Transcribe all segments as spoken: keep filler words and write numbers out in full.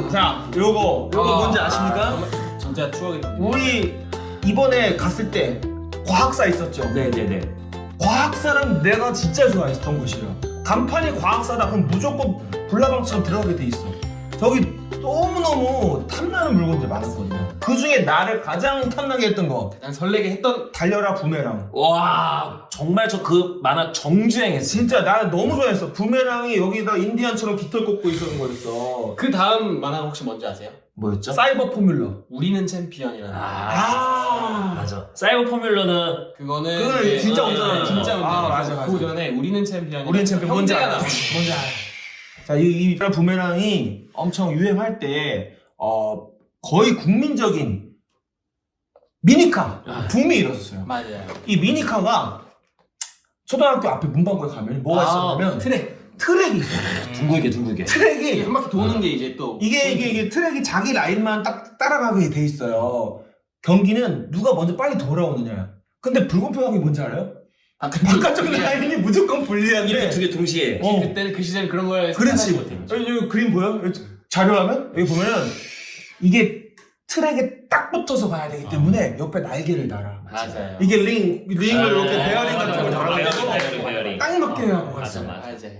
자, 요거 요거 아, 뭔지 아십니까? 아, 진짜 추억이 납니다. 우리 이번에 갔을 때 과학사 있었죠? 네네네. 과학사는 내가 진짜 좋아했던 곳이에요. 간판이 과학사다 그럼 무조건 불나방처럼 들어가게 돼 있어. 저기 너무너무 탐나는 물건들이 많았거든요. 그 중에 나를 가장 탐나게 했던 거 가장 설레게 했던 달려라 부메랑. 와 정말 저 그 만화 정주행했어. 진짜 나는 너무 좋아했어. 부메랑이 여기다 인디안처럼 깃털 꽂고 있었는 거였어. 그 다음 만화가 혹시 뭔지 아세요? 뭐였죠? 사이버 포뮬러. 우리는 챔피언이라는. 아, 아, 맞아. 사이버 포뮬러는 그거는 그거는 이제- 진짜 어, 운전하는 진짜 거. 아, 운전. 맞아, 맞아. 그 전에 우리는 챔피언. 우리는 챔피언 뭔지 형제가 알아? 나왔어. 뭔지 알아? 자, 이, 이 부메랑이 엄청 유행할 때 어, 거의 국민적인 미니카 아. 붐이 일었었어요. 맞아요. 이 미니카가 초등학교 앞에 문방구에 가면 뭐가 있었냐면 트랙. 트랙이 있어요. 둥글게 둥글게. 이게 트랙이 한 바퀴 도는 게 이제 또 이게 이게 이게 트랙이 자기 라인만 딱 따라가게 돼 있어요. 경기는 누가 먼저 빨리 돌아오느냐. 근데 불공평한 게 뭔지 알아요? 바깥쪽 라인이 무조건 불리한데. 이렇게 두 개 동시에. 어. 그때는 그 시절 그런 걸 그렇지. 생각하지 못해요. 여기, 여기 그림 보여? 여기 자료화면? 여기 보면은 이게 트랙에 딱 붙어서 가야 되기 때문에 옆에 날개를 달아. 맞아요. 이게 링, 링을 아, 이렇게 아, 베어링 같은 걸 맞아, 맞아, 달아가지고 베어링, 베어링. 딱 맞게 하고 맞아, 갔어. 맞아. 맞아요.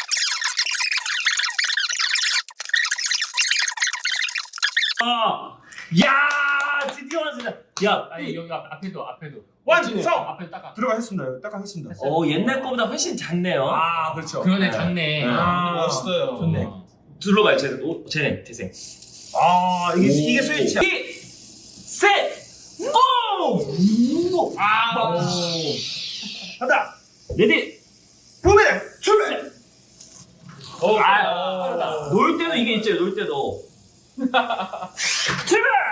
아, 야 드디어 완성이다. 야, 아니 여기 앞, 앞에도 앞에도 완성! 앞에 딱 들어가 했습니다. 여기 딱 하겠습니다. 어 옛날 거보다 훨씬 작네요. 아, 그렇죠. 그러네 네. 작네. 네. 아, 멋있어요. 좋네. 둘러봐요, 제, 오, 쟤네 태생. 아, 이게, 오. 이게 스위치야. 이, 셋, 오, 우, 아, 오. 간다! 레디. 부메랑 출발! 어, 아, 놀 때도 이게 있죠, 놀 때도. 출발!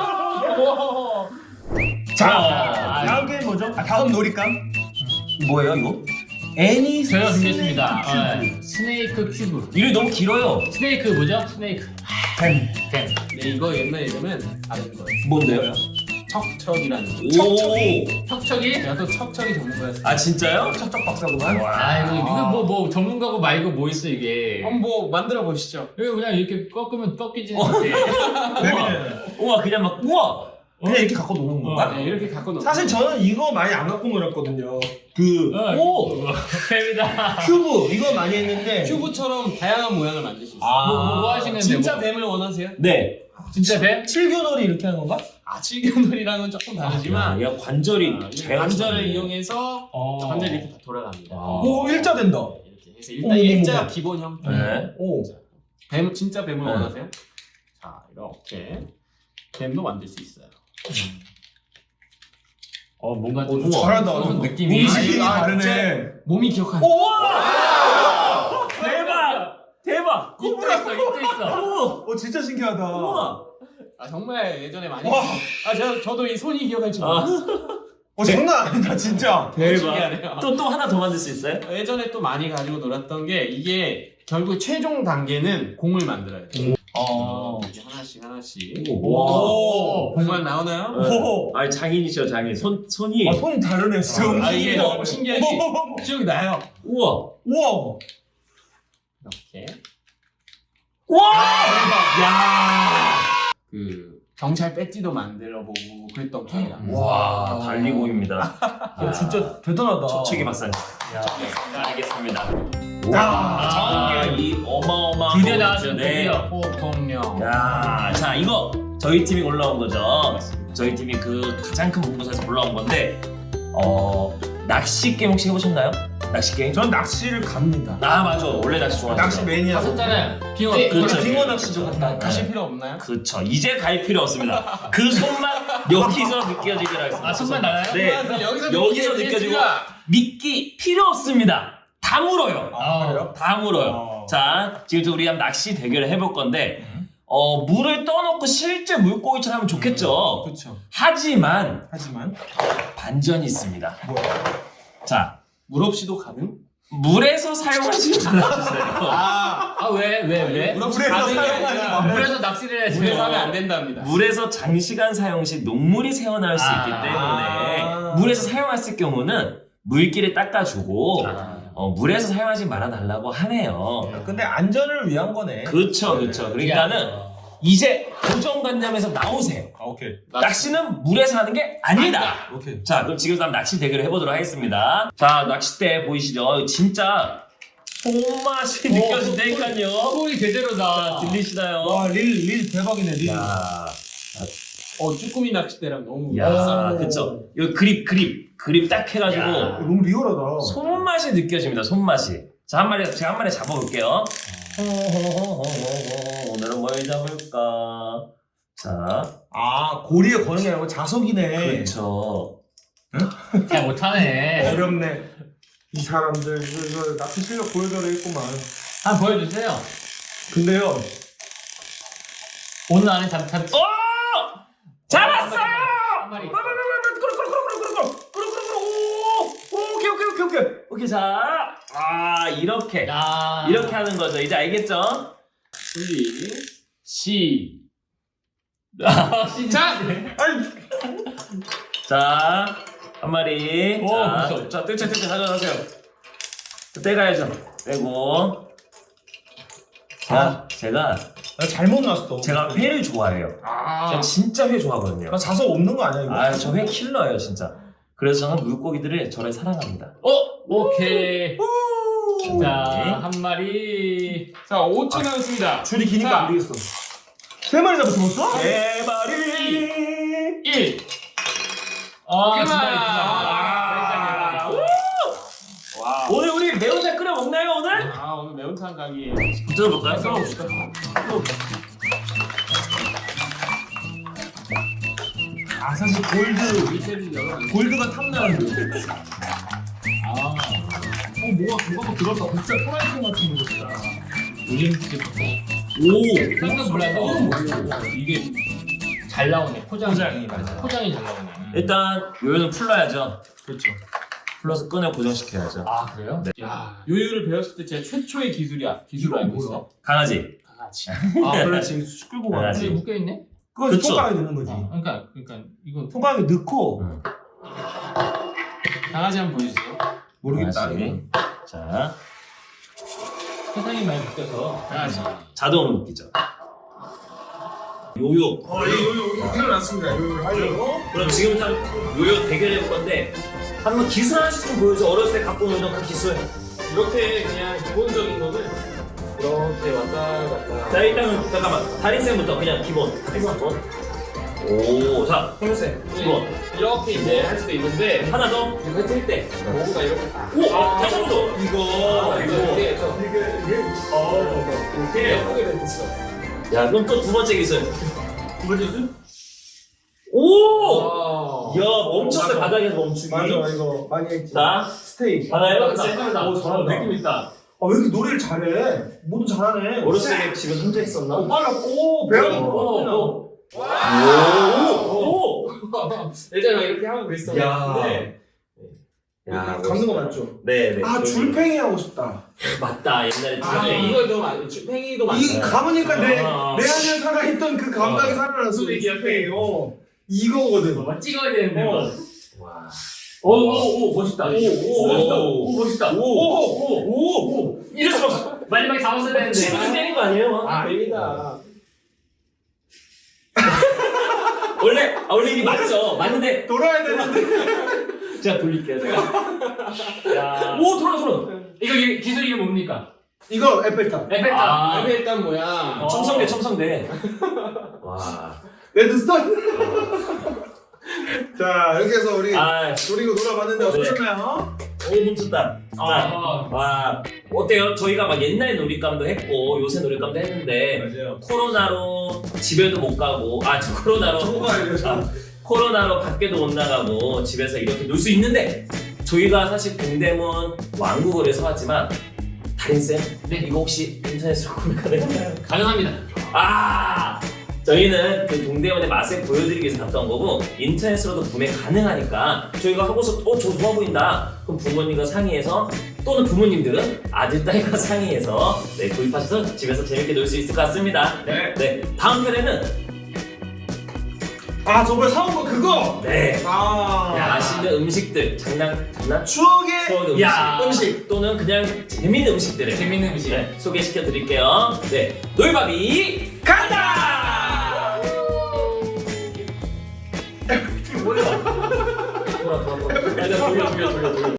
자, 아, 다음 게임 뭐죠? 아, 다음 놀이감? 뭐예요, 이거? 애니 저희가 스네이크 준비했습니다. 큐브. 어, 스네이크 큐브. 이름이 너무 길어요. 스네이크 뭐죠? 스네이크. 뱀. 뱀. 네, 이거 옛날 이름은 다른 거예요. 뭔데요? 척척이라는 거. 오. 척척이. 척척이? 제가 또 척척이 전문가였어요. 아, 진짜요? 척척 박사구만. 아 이거 이거 뭐 뭐 전문가고 말고 뭐 있어 이게. 한번 뭐 만들어 보시죠. 이거 그냥 이렇게 꺾으면 꺾이지는 않대. 뱀이는 우와, 그냥 막, 우와! 그냥 이렇게 갖고 노는 건가? 네, 이렇게 갖고 놀. 사실 저는 이거 많이 안 갖고 놀았거든요. 그 오 뱀이다. 큐브 이거 많이 했는데 큐브처럼 다양한 모양을 만들 수 있어요. 아. 뭐, 뭐, 뭐 하시는데 진짜 뭐. 뱀을 원하세요? 네. 진짜 뱀? 칠교놀이 이렇게 하는 건가? 아, 칠견놀이랑은 조금 다르지만 야, 관절이 아, 잘 관절을 맞췄네. 이용해서 어. 관절이 이렇게 다 돌아갑니다. 아. 오 일자 된다. 네, 이렇게 해서 일단 어머, 일자 어머. 기본 형태. 네. 오. 뱀 진짜 뱀을 네. 원하세요? 자, 이렇게 뱀도 만들 수 있어요. 어 뭔가 오, 좀 잘한다. 무슨 느낌이. 음식이 아, 다르네. 몸이 기억하는. 우와! 대박! 대박! 입도 있어 입도 있어. 우와! 어 진짜 신기하다. 우와! 아, 정말 예전에 많이. 와. 아, 저 저도 이 손이 기억할 줄 아. 몰랐어요. 어 장난 아니다 진짜. 신기하네요. 또, 또 하나 더 만들 수 있어요? 예전에 또 많이 가지고 놀았던 게 이게 결국 최종 단계는 공을 만들어야 돼요. 어. 이렇게 하나씩 하나씩. 오. 공만 나오나요? 오. 아니, 장인이셔, 장인. 손, 손이. 아 손이 다르네 진짜. 아, 이게 움직이다. 너무 신기하지? 기억이 나요. 우와! 우와. 이렇게. 우와! 야! 그 경찰 배지도 만들어 보고 그랬던 기억이 납니다. 와, 달리고입니다. 야 진짜 대단하다. 초책이 박사님. 야. 알겠습니다. 야. 아, 이 어마어마한 드디어 거 나왔습니다. 있죠. 네. 드디어. 포통령. 야, 자, 이거 저희 팀이 올라온 거죠. 저희 팀이 그 가장 큰 본부에서 올라온 건데, 어, 낚시 게임 혹시 해보셨나요? 낚시 게임? 전 낚시를 갑니다. 아, 맞아. 원래 낚시 좋아하죠. 낚시 매니아. 하셨잖아요. 빙어. 네, 그렇죠. 빙어 낚시죠. 갔다. 가실 필요 없나요? 그쵸. 이제 갈 필요 없습니다. 그 손만 여기서 느껴지길 하겠습니다. 아 손만 나나요? 네. 여기서 여기서 느껴지고 미끼 필요 없습니다. 다 물어요. 아 그래요? 다 물어요. 어. 자, 지금 우리 한 낚시 대결을 해볼 건데, 어, 물을 떠놓고 실제 물고기처럼 하면 좋겠죠. 그렇죠. 하지만 하지만 반전이 있습니다. 뭐야? 자, 물 없이도 가능? 물에서 사용하지 말아주세요. 아, 아 왜 왜 왜? 물 없이 물에서 가능이 사용하지 아니라 마. 물에서 낚시를 해야지. 물에서 하면 안 된답니다. 물에서 장시간 사용 시 녹물이 새어나올 수 있기 아. 때문에 물에서 사용했을 경우는 물기를 닦아주고 아. 어, 물에서 사용하지 말아달라고 하네요. 근데 안전을 위한 거네. 그쵸, 그쵸. 그러니까는 이제 고정관념에서 나오세요. 아 오케이. 낚시는 물에서 하는 게 아니다. 오케이. 자, 그럼 지금부터 한번 낚시 대결을 해보도록 하겠습니다. 자, 낚싯대 보이시죠? 진짜 손맛이 느껴진다니까요. 소리 제대로다. 들리시나요? 와릴릴 대박이네 릴. 야, 어 쭈꾸미 낚싯대랑 너무 야, 오. 그쵸. 이거 그립, 그립, 그립 딱 해가지고 야, 너무 리얼하다. 손맛이 느껴집니다. 손맛이. 자, 한 마리 제가 한 마리 잡아볼게요. 오늘은 뭘 잡을까? 자, 아 고리에 거는 게 아니고 자석이네. 그렇죠. 잘 못하네. 어렵네. 이 사람들 이거, 이거 낚시 실력 보여줘라 했구만. 한번 보여주세요. 근데요. 오늘 안에 잡, 잡, 어! 잡았어요! 한 마리. 오케이 오케이 오케이 오케이 오케이 자, 아 이렇게 야. 이렇게 하는 거죠. 이제 알겠죠? 준비 시. 시작! 아니 자, 한 마리. 오, 자, 무서워. 자, 뜰채 뜰채 가져가세요. 떼가야죠. 떼고. 자, 제가 나 잘못 놨어. 제가 회를 좋아해요. 아 제가 진짜 회 좋아하거든요. 나 자석 없는 거 아니야 이거? 아, 저 회 킬러예요, 진짜. 그래서 저는 물고기들을 저를 사랑합니다. 어, 오케이. 오. 자, 한 마리. 자 오 초 남았습니다. 줄이 기니까 자. 안 되겠어. 세 마리 잡았어? 세 마리. 일. 아, 그만. 진짜 아, 있구나. 와. 오늘 우리 매운탕 끓여 먹나요, 오늘? 아 오늘 매운탕 가기. 들어볼까요? 썰어봅시다. 아 사실 골드 밑에를 열어. 골드가 탐나는데. 아, 어 뭐가 뭐가 들었다. 진짜 프라이팬 같은 거였다. 요즘 진짜 오. 깜짝 놀라서 이게 잘 나오네. 포장이. 포장이, 맞아. 포장이 잘 나오네. 일단 요요는 풀러야죠. 그렇죠. 풀러서 끈을 고정시켜야죠. 아, 그래요? 네. 야 요요를 배웠을 때 제가 최초의 기술이야. 기술을 알고 있어. 강아지. 강아지. 아 그렇지. 쑥 끌고 가. 강아지. 근데 묶여 있네. 그건 그쵸. 손가락에 넣는 거지. 어, 그러니까 그러니까 이건 손가락에 넣고 응. 강아지 한번 보여주세요. 모르겠다. 강아지. 이거. 자, 세상이 많이 바뀌어서 강아지. 자동으로 묶이죠. 요요. 어, 이 요요 일어났습니다. 요요를 하려고. 그럼 지금부터 요요 대결해 볼 건데 한번 기술 하나씩 좀 보여줘. 어렸을 때 갖고 놀던 그 기술. 이렇게 그냥 기본적인 거는 이렇게 왔다 갔다. 자, 일단은 잠깐만. 다린쌤부터 그냥 기본. 기본. 오, 자, 홍유쌤 기본. 이렇게 이제 할 수도 있는데 하나 더. 이거 뜰 때 뭔가 이렇게 딱. 오, 아, 다시 한 번 더. 이거, 아, 이거 이거. 이렇게 해서 어. 이렇게 예쁘게 됐어. 야, 그럼 또 두 번째 기술. 두 번째 수? 오! 와. 야, 멈췄어요. 바닥에서 멈추기. 맞아 이거 많이 했지. 자, 스테이. 하나 아, 해봤다. 잘한다. 오, 잘한다. 느낌 있다. 아 왜 이렇게 노래를 잘해? 뭐든 잘하네. 어렸을 때 집에 혼자 있었나? 어, 빨라. 오 배우는 오, 거. 오! 오! 예전에 이렇게 하고 그랬었는데. 야, 감는 거 맞죠? 네, 네. 아 줄팽이 하고 싶다. 맞다. 옛날에 아, 줄팽이. 이거 좀 안, 팽이도 많아. 이 감으니까 내, 아. 내 안에 살아있던 그 감각이 어. 살아났어. 소리 기억해. 어. 이거거든. 뭐 찍어야 되는데. 어. 뭐. 와. 오, 오, 오, 멋있다. 오, 오, 멋있다. 오. 오, 멋있다. 오, 오, 오, 오. 이럴 수 없어. 마지막에 잡았어야 되는데. 친구들 때린 거 아니에요? 아, 아닙니다. 원래, 아, 원래 이게 맞죠? 맞는데, 돌아야 되는데. 제가 돌릴게요, 제가. 야. 오, 돌아, 돌아. 이거 이- 기술 이름 뭡니까? 이거 에펠탑. 에펠탑. 아. 아, 일단 뭐야. 어. 첨성대, 첨성대. 와. 레드스톤. 자 이렇게 해서 우리 아, 노리고 놀아봤는데 어떠셨나요? 오, 멈췄다. 자, 아, 와. 어때요? 저희가 막 옛날 놀잇감도 했고, 요새 놀잇감도 했는데, 맞아요. 코로나로 집에도 못 가고, 아, 저 코로나로. 저거 가야 돼요. 아, 코로나로 밖에도 못 나가고 집에서 이렇게 놀 수 있는데 저희가 사실 동대문 왕구거리에서 왔지만 다린쌤 네. 이거 혹시 인터넷으로 구매 가능한가요? 가능합니다. 아 저희는 그 동대문의 맛을 보여드리기 위해서 갔던 거고 인터넷으로도 구매 가능하니까 저희가 하고서 어 저 좋아 보인다 그럼 부모님과 상의해서 또는 부모님들은 아들 딸과 상의해서 네, 구입하셔서 집에서 재밌게 놀 수 있을 것 같습니다. 네. 네 다음 편에는 아 저번에 사온 거 그거. 네 아 맛있는 음식들 장난 장난 추억의 추억의 음식, 야. 음식 또는 그냥 재밌는 음식들을 재밌는 음식. 네, 소개시켜 드릴게요. 네, 놀바비 간다! 돌려 돌려 돌려 돌려.